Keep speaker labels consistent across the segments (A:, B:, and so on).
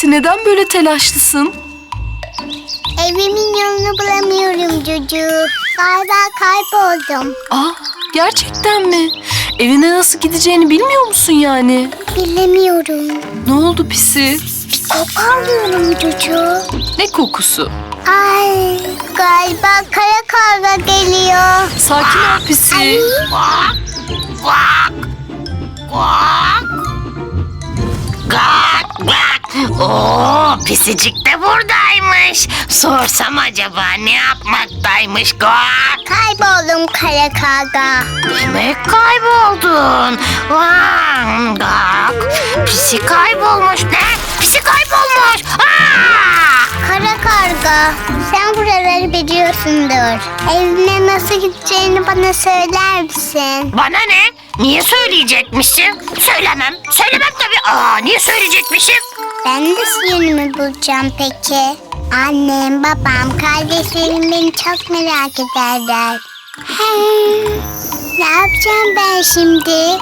A: Pisi, neden böyle telaşlısın?
B: Evimin yolunu bulamıyorum Cucu. Galiba kayboldum.
A: Gerçekten mi? Evine nasıl gideceğini bilmiyor musun yani?
B: Bilemiyorum.
A: Ne oldu Pisi?
B: Bir koku alıyorum Cucu.
A: Ne kokusu?
B: Ay, galiba kara karga geliyor.
A: Sakin ol Pisi.
C: Guak, guak, guak. Guak, guak. Oo, pisicik de buradaymış. Sorsam acaba ne yapmaktaymış guak?
B: Kayboldum kara karga.
C: Demek kayboldun. Vay, guak. Pisi kaybolmuş. Ne? Pisi kaybolmuş.
B: Kara karga, sen buraları biliyorsundur. Evime nasıl gideceğini bana söyler misin?
C: Bana ne? Niye söyleyecekmişim? Söylemem. Söylemem tabii. Niye söyleyecekmişim?
B: Ben de yönümü bulacağım peki. Annem, babam, kardeşlerim beni çok merak ederler. Ne yapacağım ben şimdi?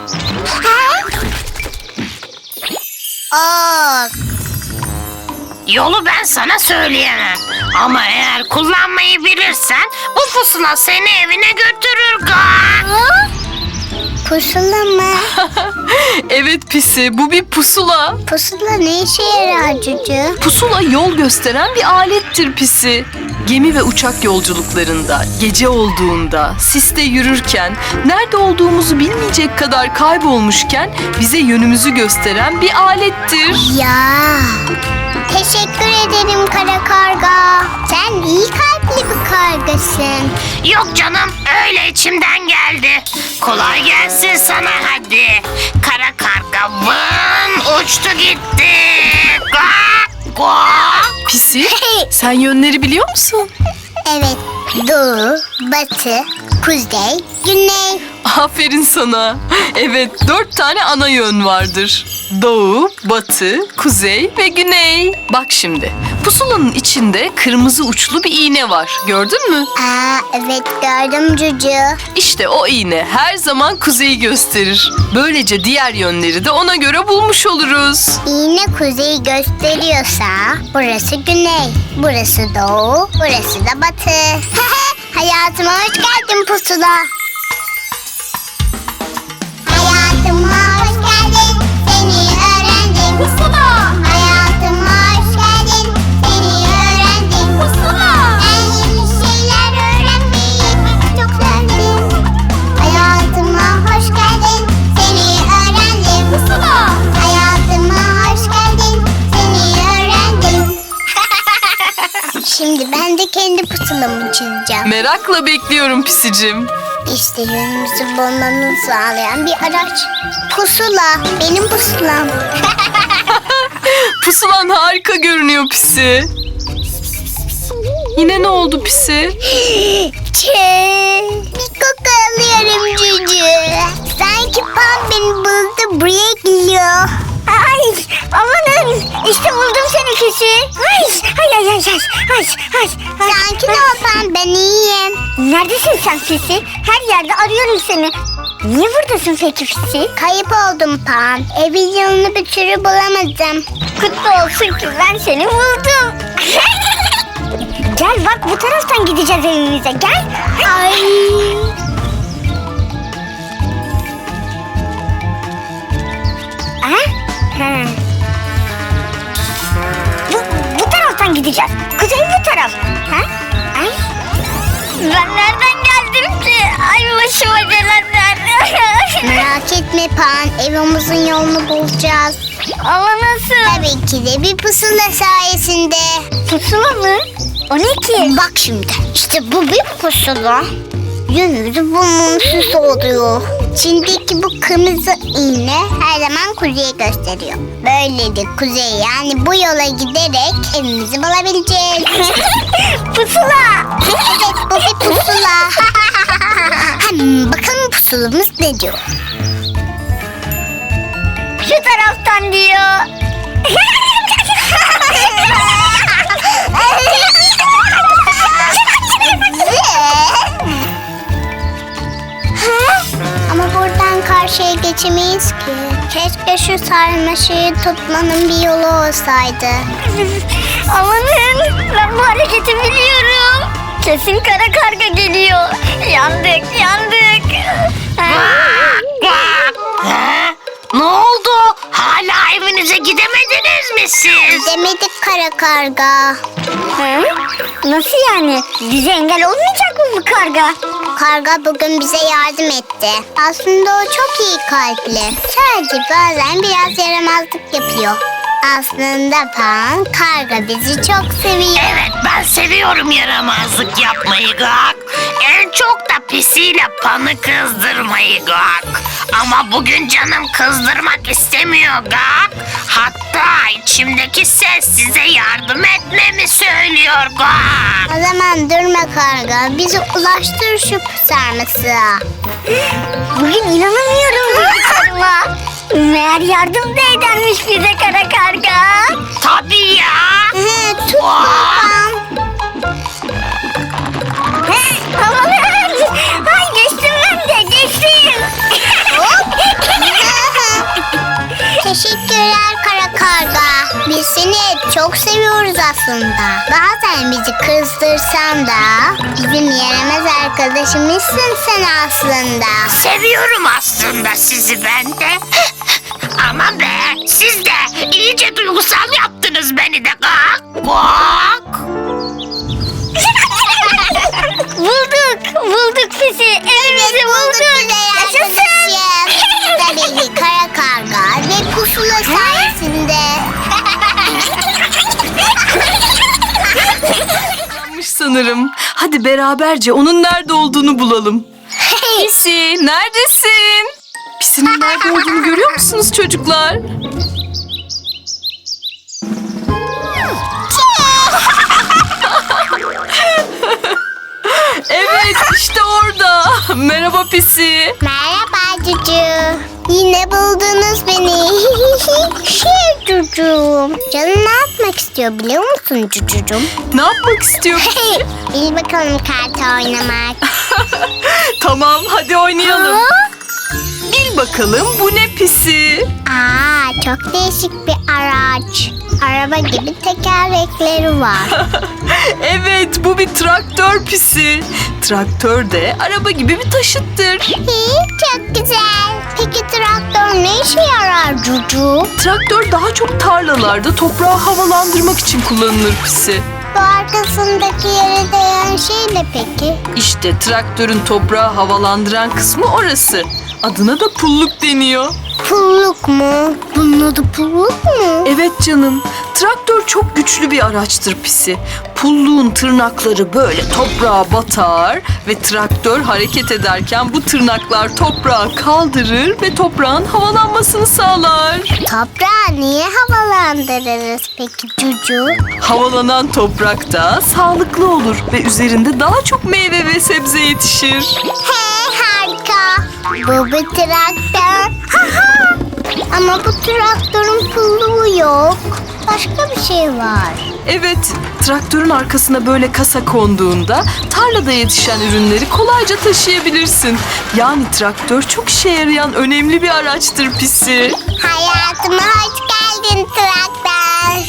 C: Yolu ben sana söyleyemem. Ama eğer kullanmayı bilirsen bu pusula seni evine götürür galiba.
B: Pusula mı?
A: Evet Pisi, bu bir pusula.
B: Pusula ne işe yarar Cucu?
A: Pusula yol gösteren bir alettir Pisi. Gemi ve uçak yolculuklarında, gece olduğunda, siste yürürken, nerede olduğumuzu bilmeyecek kadar kaybolmuşken bize yönümüzü gösteren bir alettir.
B: Ya, teşekkür ederim kara karga. Sen iyi kalpli bir kargasın.
C: Yok canım, öyle içimden geldi. Kolay gelsin sana hadi. Kara karga vın uçtu gitti. Guak, guak.
A: Pisi, sen yönleri biliyor musun?
B: Evet, doğu, batı, kuzey, güney.
A: Aferin sana. Evet, 4 tane ana yön vardır. Doğu, batı, kuzey ve güney. Bak şimdi, pusulanın içinde kırmızı uçlu bir iğne var. Gördün mü?
B: Evet gördüm Cucu.
A: İşte o iğne her zaman kuzeyi gösterir. Böylece diğer yönleri de ona göre bulmuş oluruz.
B: İğne kuzeyi gösteriyorsa burası güney, burası doğu, burası da batı. Hayatıma hoş geldin pusula. Hayatıma hoş geldin, seni öğrendim. Pusula. Hayatıma hoş geldin, seni öğrendim. Pusula. Ben yeni şeyler öğrenmeyi çok sevdim. Hayatıma hoş geldin, seni öğrendim. Pusula. Hayatıma hoş geldin, seni öğrendim. Şimdi ben de kendi pusulamı çizeceğim.
A: Merakla bekliyorum Pisicim.
B: İşte yönümüzü bulmamızı sağlayan bir araç. Pusula, benim pusulam.
A: Pusulan harika görünüyor Pisi. Yine ne oldu Pisi?
B: Bir koku alıyorum Cucu. Sanki Pam beni buldu, buraya geliyor. Ay, amanın, işte buldum seni Fisi. Ay. Sakin ol Pam, ben iyiyim. Neredesin sen Fisi? Her yerde arıyorum seni. Niye buradasın peki Fisi? Kayıp oldum Pam. Evin yolunu bir türlü bulamadım. Kutlu olsun ki ben seni buldum. Gel bak, bu taraftan gideceğiz evimize, gel. Ay. Bu taraftan gideceğiz. Kuzey bu taraf. Ay. Ben nereden geldim ki? Ay başıma gelenler. Merak etme Pan, evimizin yolunu bulacağız. Ama nasıl? Tabii ki de bir pusula sayesinde. Pusula mı? O ne ki? Bak şimdi, işte bu bir pusula. Yönümüzü bulmamızı sağlıyor. İçindeki bu kırmızı iğne her zaman kuzeyi gösteriyor. Böylelikle kuzey, yani bu yola giderek evimizi bulabileceğiz. Pusula! Evet, bu bir pusula. Bakalım pusulamız ne diyor? Şu taraftan diyor. Ama buradan karşıya geçemeyiz ki. Keşke şu sarmaşığı tutmanın bir yolu olsaydı. Amanın, ben bu hareketi biliyorum. Kesin kara karga geliyor. Yandık, yandık.
C: Ha? Ne oldu? Hala evinize gidemediniz mi siz?
B: Gidemedik kara karga. Nasıl yani? Bize engel olmayacak mı bu karga? Karga bugün bize yardım etti. Aslında o çok iyi kalpli. Sadece bazen biraz yaramazlık yapıyor. Aslında Pan, karga bizi çok seviyor.
C: Evet, ben seviyorum yaramazlık yapmayı Gak. En çok da pisiyle Pan'ı kızdırmayı Gak. Ama bugün canım kızdırmak istemiyor Gak. Hatta içimdeki ses size yardım etmemi söylüyor Gak.
B: O zaman durma karga, bizi ulaştır şu sarmasığa. Bugün inanamıyorum duyduklarıma. Meğer yardım da edermiş bize kara karga.
C: Tabii ya.
B: Tut babam. Amanın. Ay geçtim ben de geçtim. Teşekkürler kara karga. Biz seni hep çok seviyoruz aslında. Bazen bizi kızdırsan da bizim yaramaz arkadaşımızsın sen aslında.
C: Seviyorum aslında sizi ben de. Ama be, siz de iyice duygusal yaptınız beni de Gak. Gak.
B: Bulduk pisi. Evimizi bulduk. Yaşasın. Tabii ki kara karga ve pusula sayesinde.
A: Yanlış sanırım. Hadi beraberce onun nerede olduğunu bulalım. Pisi, neredesin? Pisinin nerede olduğunu görüyor musunuz çocuklar? Evet, işte orada. Merhaba Pisi.
B: Merhaba Cucu. Yine buldunuz beni. Cucuğum. Canın ne yapmak istiyor biliyor musun Cucucuğum?
A: Ne yapmak istiyor?
B: Bil bakalım kart oynamak.
A: Tamam, hadi oynayalım. Bil bakalım bu ne Pisi?
B: Çok değişik bir araç. Araba gibi tekerlekleri var.
A: Evet, bu bir traktör Pisi. Traktör de araba gibi bir taşıttır.
B: Çok güzel. Peki traktör ne işe yarar Cucu?
A: Traktör daha çok tarlalarda toprağı havalandırmak için kullanılır Pisi.
B: Bu arkasındaki yere değen şey ne peki?
A: İşte traktörün toprağı havalandıran kısmı orası. Adına da pulluk deniyor.
B: Pulluk mu? Bunun adı pulluk mu?
A: Evet canım, traktör çok güçlü bir araçtır Pisi. Pulluğun tırnakları böyle toprağa batar ve traktör hareket ederken bu tırnaklar toprağı kaldırır ve toprağın havalanmasını sağlar.
B: Toprağı niye havalandırırız peki Cucu?
A: Havalanan toprak da sağlıklı olur ve üzerinde daha çok meyve ve sebze yetişir.
B: Harika. Bu bir traktör. Ama bu traktörün pulluğu yok. Başka bir şey var.
A: Evet, traktörün arkasına böyle kasa konduğunda tarlada yetişen ürünleri kolayca taşıyabilirsin. Yani traktör çok işe yarayan önemli bir araçtır Pisi.
B: Hayatıma hoş geldin traktör.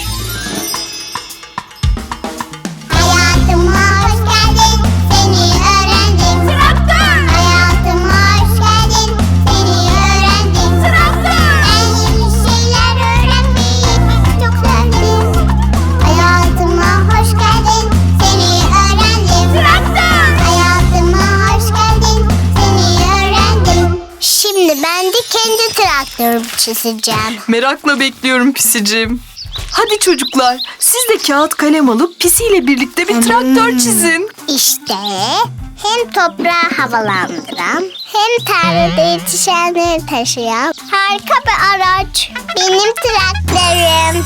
B: Hayatıma hoş geldin, seni öğrendim. Traktör. Hayatıma hoş geldin, seni öğrendim. Traktör. Ben yeni şeyler öğrenmeyi çok sevdim. Hayatıma hoş geldin, seni öğrendim. Traktör. Hayatıma hoş geldin, seni öğrendim. Şimdi ben de kendi traktörümü çizeceğim.
A: Merakla bekliyorum Pisicim. Hadi çocuklar, siz de kağıt kalem alıp Pisi ile birlikte bir traktör çizin.
B: İşte hem toprağı havalandıran hem tarlada yetişenleri taşıyan harika bir araç. Benim traktörüm.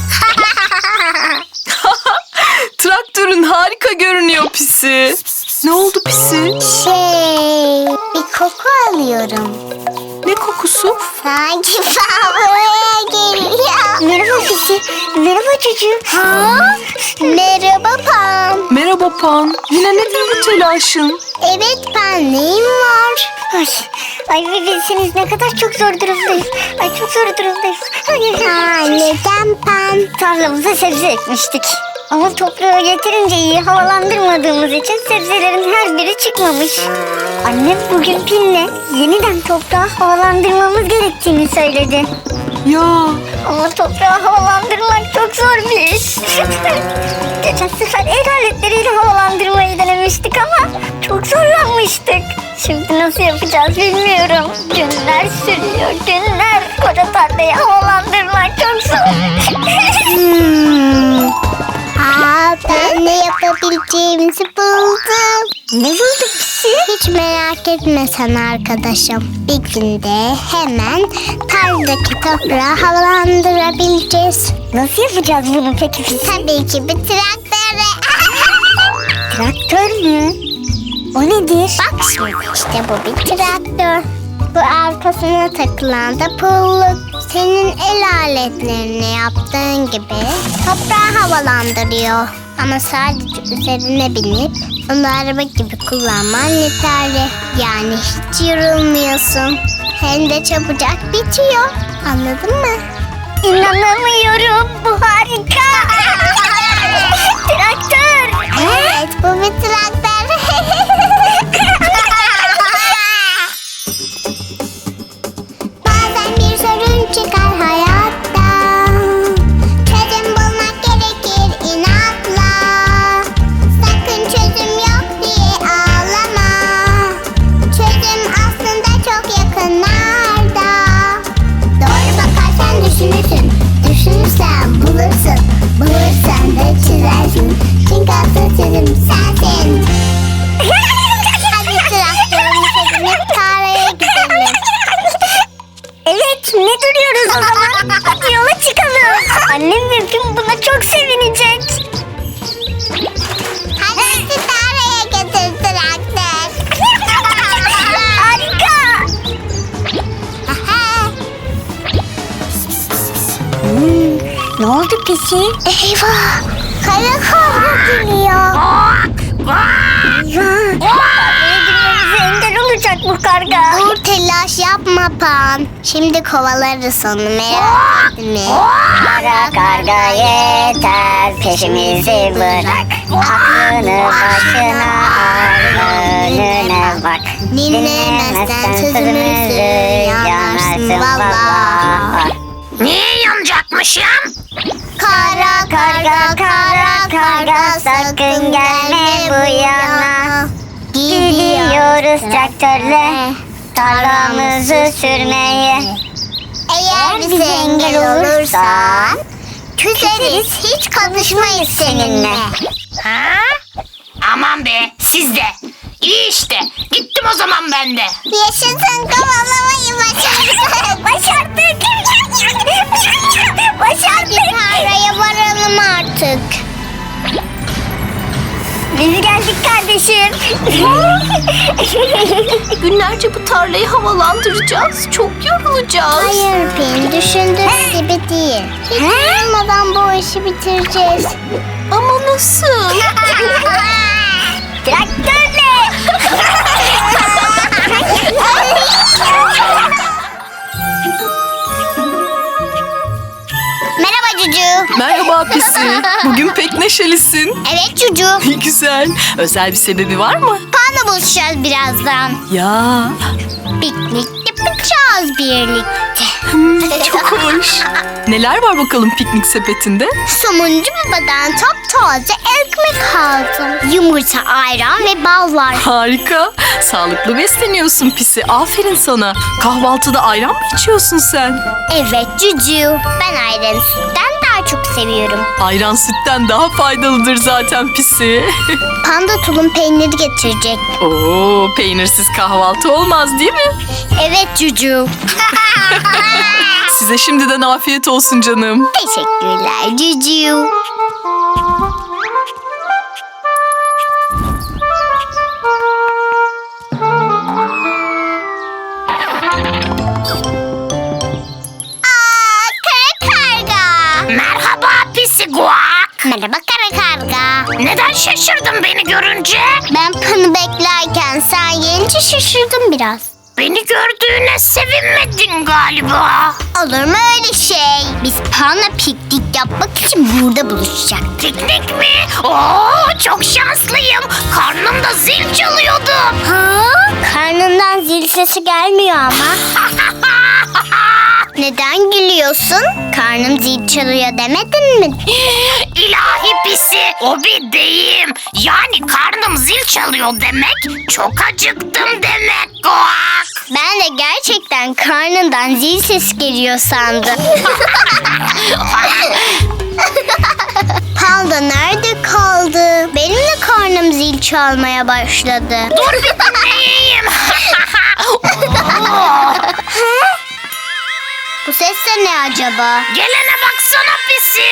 A: Traktörün harika görünüyor Pisi. Ne oldu Pisi?
B: Bir koku alıyorum.
A: Ne kokusu?
B: Sanki buraya geliyor. Merhaba Pisi. Merhaba çocuğum. Merhaba Pam.
A: Merhaba Pan. Yine nedir bu telaşın?
B: Evet Pan, neyin var? Ay ve bilseniz ne kadar çok zor durumdayız. Ay çok zor durumdayız. Neden ben? Tarlamıza sebze ekmiştik. Ama toprağı yeterince iyi havalandırmadığımız için sebzelerin her biri çıkmamış. Annem bugün Pin'le yeniden toprağı havalandırmamız gerektiğini söyledi.
A: Ya
B: Ama toprağı havalandırmak çok zor bir iş. Geçen sefer el aletleriyle havalandırmayı denemiştik ama çok zorlanmıştık. Şimdi nasıl yapacağız bilmiyorum. Günler sürüyor, günler. Koca tarlayı havalandırmak çok zor.
D: Ben ne yapabileceğimizi buldum.
B: Ne bulduk pisi?
D: Hiç merak etme sen arkadaşım. Bir günde hemen tarladaki toprağı havalandırabileceğiz.
B: Nasıl yapacağız bunu peki pisi?
D: Tabii ki bir traktörle.
B: Traktör mü? O nedir?
D: Bak şimdi işte bu bir traktör. Bu arkasına takılan da pulluk. Senin el aletlerini yaptığın gibi toprağı havalandırıyor. Ama sadece üzerine binip onu araba gibi kullanman yeterli. Yani hiç yorulmuyorsun. Hem de çabucak bitiyor. Anladın mı?
B: İnanamıyorum. Bu harika. Traktör.
D: Evet, bu bir traktör. Bazen bir sorun çıkar hayatta. Çözüm bulmak gerekir inatla. Sakın çözüm yok diye ağlama. Çözüm aslında çok yakınlarda. Doğru bakarsan düşünürsün. Düşünürsen bulursun. Bulursan da çizersin. Çünkü asıl çözüm sensin. Hadi traktörümüze binip tarlaya gidelim.
B: Evet, ne duruyoruz o zaman? Hadi yola çıkalım. Annem ve Pim buna çok sevinecek.
D: Hadi bizi tarlaya götür traktör.
B: Harika. Ne oldu pisi?
D: Eyvah! Kara kobra geliyor.
B: Girmemize engel olacak bu karga.
D: Dur telaş yapma Pan. Şimdi kovalarız onu merak etme.
B: Kara karga yeter, peşimizi bırak. Aklını başına al, önüne bak.
D: Dinlemezsen sözümüzü yanarsın valla.
C: Niye yanacakmışım?
D: Kara karga kara karga sakın gelme bu yana.
B: Gidiyoruz traktörle tarlamızı sürmeye.
D: Eğer bize engel olursan küseriz hiç konuşmayız seninle.
C: Ha? Aman be siz de. İyi işte. Gittim o zaman ben de.
D: Yaşasın kovalamayı başardık.
B: Başardık.
D: Hadi
B: Başardık.
D: tarlaya varalım artık.
B: Biz geldik kardeşim.
A: günlerce bu tarlayı havalandıracağız. Çok yorulacağız.
D: Hayır Pin düşündüğün gibi değil. Hiç yorulmadan bu işi bitireceğiz.
A: Ama nasıl?
B: Traktörle.
D: Merhaba Cucu.
A: Merhaba Pisi. Bugün pek neşelisin.
D: Evet Cucu.
A: Güzel. Özel bir sebebi var mı?
D: Panla buluşacağız birazdan.
A: Ya
D: Piknik yapacağız birlikte.
A: çok hoş. Neler var bakalım piknik sepetinde?
D: Somuncu babadan taptaze ekmek aldım. Yumurta, ayran ve bal var.
A: Harika. Sağlıklı besleniyorsun Pisi. Aferin sana. Kahvaltıda ayran mı içiyorsun sen?
D: Evet Cucu. Ben ayranı sütten daha çok seviyorum.
A: Ayran sütten daha faydalıdır zaten Pisi.
D: Panda tulum peyniri getirecek.
A: Oo, peynirsiz kahvaltı olmaz değil mi?
D: Evet Cucu.
A: Size şimdiden afiyet olsun canım.
D: Teşekkürler Cucu. Kara karga.
C: Merhaba pisi guak.
D: Merhaba kara karga.
C: Neden şaşırdın beni görünce?
D: Ben Pan'ı beklerken sen gelince şaşırdım biraz.
C: beni gördüğüne sevinmedin galiba.
D: Olur mu öyle şey? Biz Pan'la piknik yapmak için burada buluşacaktık.
C: Piknik mi? Oo, çok şanslıyım. Karnımda zil çalıyordu.
D: Ha? Karnından zil sesi gelmiyor ama. Neden gülüyorsun? Karnım zil çalıyor demedin mi?
C: İlahi pisi, o bir deyim. Yani karnım zil çalıyor demek, çok acıktım demek Guak.
D: Ben de gerçekten karnından zil sesi geliyor sandım. Panda nerede kaldı? Benim de karnım zil çalmaya başladı.
C: Dur bir dinleyeyim.
D: Bu ses de ne acaba?
C: Gelene baksana pisi.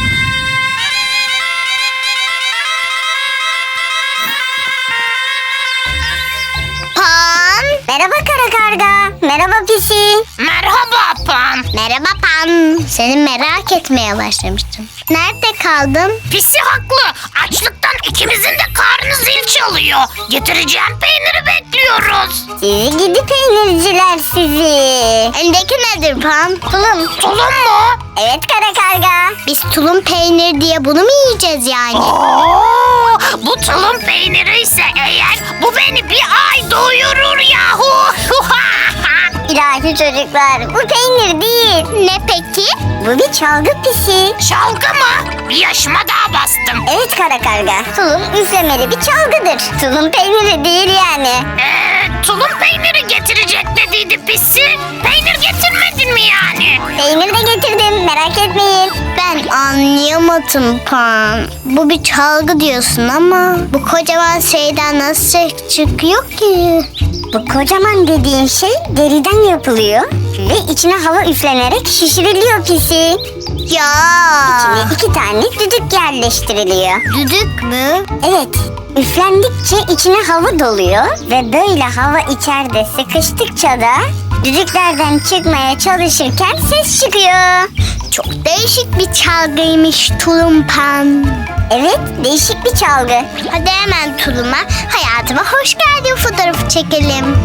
D: Pan. Merhaba kara karga. Merhaba pisi.
C: Merhaba Pan.
D: Merhaba Pan. Seni merak etmeye başlamıştım. Nerede kaldın?
C: Pisi haklı. Açlıktan ikimizin de karnı zil çalıyor. Getireceğim peyniri bekliyoruz.
D: Sizi gidi peynirciler sizi. Elindeki nedir Pan? Tulum.
C: Tulum mu?
D: Evet kara karga. Biz tulum peynir diye bunu mu yiyeceğiz yani?
C: Oo, bu tulum peyniri ise eğer bu beni bir ay doyurur yahu.
D: İlahi çocuklar, bu peynir değil. Ne peki? Bu bir çalgı pisi.
C: Çalgı mı? Bir yaşıma daha bastım.
D: Evet kara karga. Tulum üflemeli bir çalgıdır. Tulum peyniri değil yani.
C: Tulum peyniri getirecek dediydi pisi. Peynir getirmedin mi yani?
D: Peynir de getirdim, merak etmeyin. Ben anlayamadım Pan. Bu bir çalgı diyorsun ama bu kocaman şeyden nasıl ses çıkıyor ki? Bu kocaman dediğin şey deriden yapılıyor ve içine hava üflenerek şişiriliyor pisi. Ya. İçine 2 tane düdük yerleştiriliyor. Düdük mü? Evet. Üflendikçe içine hava doluyor ve böyle hava içeride sıkıştıkça da düdüklerden çıkmaya çalışırken ses çıkıyor. Çok değişik bir çalgıymış Tulum Pan. Evet, değişik bir çalgı. Hadi hemen Tulum'a, hayatıma hoş geldin fotoğrafı çekelim.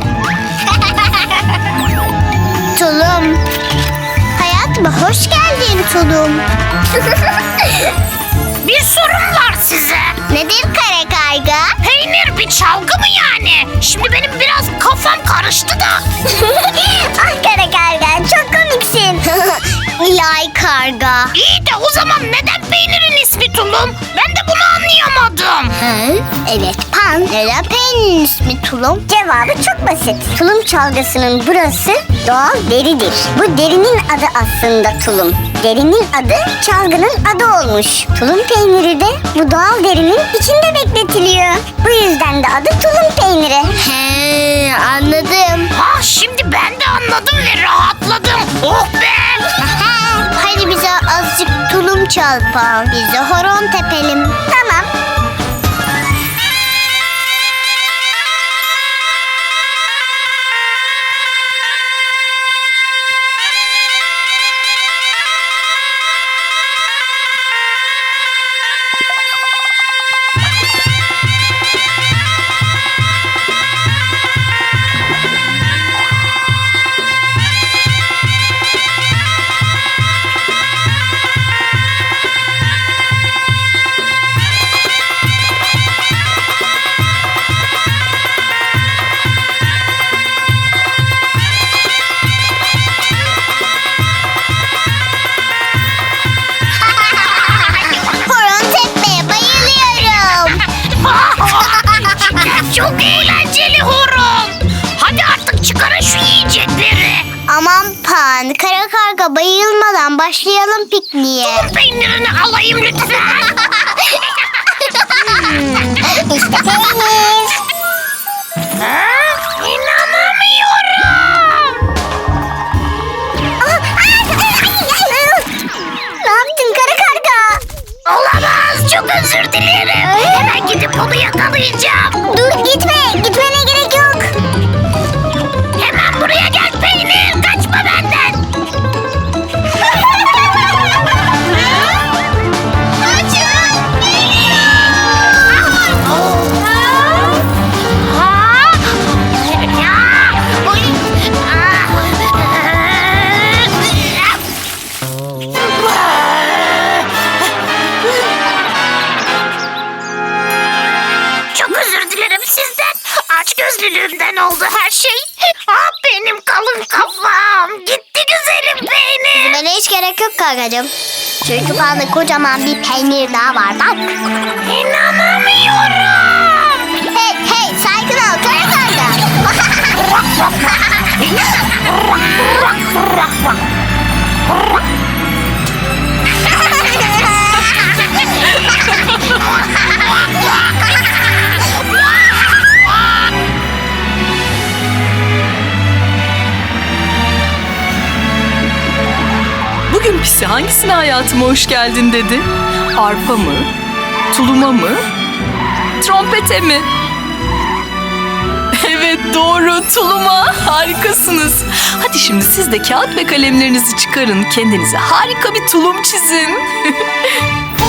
D: Tulum. Hayatıma hoş geldin Tulum.
C: Bir sorum var size.
D: Nedir kara karga?
C: Peynir bir çalgı mı yani? Şimdi benim biraz kafam karıştı da.
D: Ah kara karga, çok komiksin. İlahi karga.
C: İyi de o zaman neden peynirin ismi tulum? Ben de bunu anlayamadım.
D: Evet Pan. Neden peynirin ismi tulum? Cevabı çok basit. Tulum çalgısının burası doğal deridir. Bu derinin adı aslında tulum. Derinin adı çalgının adı olmuş. Tulum peyniri de bu doğal derinin içinde bekletiliyor. Bu yüzden de adı tulum peyniri. He, anladım.
C: Ha, şimdi ben de anladım ve rahatladım. Oh be!
D: Hadi bize azıcık tulum çal Pan. Biz de horon tepelim. Tamam. Horon tepmeye bayılıyorum.
C: Çok eğlenceli horon. Hadi artık çıkarın şu yiyecekleri.
D: Aman Pan, kara karga bayılmadan başlayalım pikniğe.
C: Tulum peynirini alayım lütfen.
D: İşte peynir.
C: Ha? İnanamıyorum.
D: Ne yaptın kara karga?
C: Olamaz. Çok özür dilerim. Hemen gidip onu yakalayacağım.
D: Dur gitme, gitmene gerek yok.
C: Hemen buraya gel peynir. Kaçma benden.
D: Kaçın.
C: Ha? Ya! Oy! kötülüğümden oldu her şey. Ah benim kalın kafam. Gitti güzelim beynim.
D: Böyle hiç gerek yok kankacığım. Çünkü bana kocaman bir peynir daha var bak.
C: İnanamıyorum.
D: Hey hey sakin ol kara kanka.
A: Bugün Pisi hangisine hayatıma hoş geldin dedi? Arpa mı? Tuluma mı? Trompete mi? Evet doğru, tuluma. Harikasınız. Hadi şimdi siz de kağıt ve kalemlerinizi çıkarın. Kendinize harika bir tulum çizin.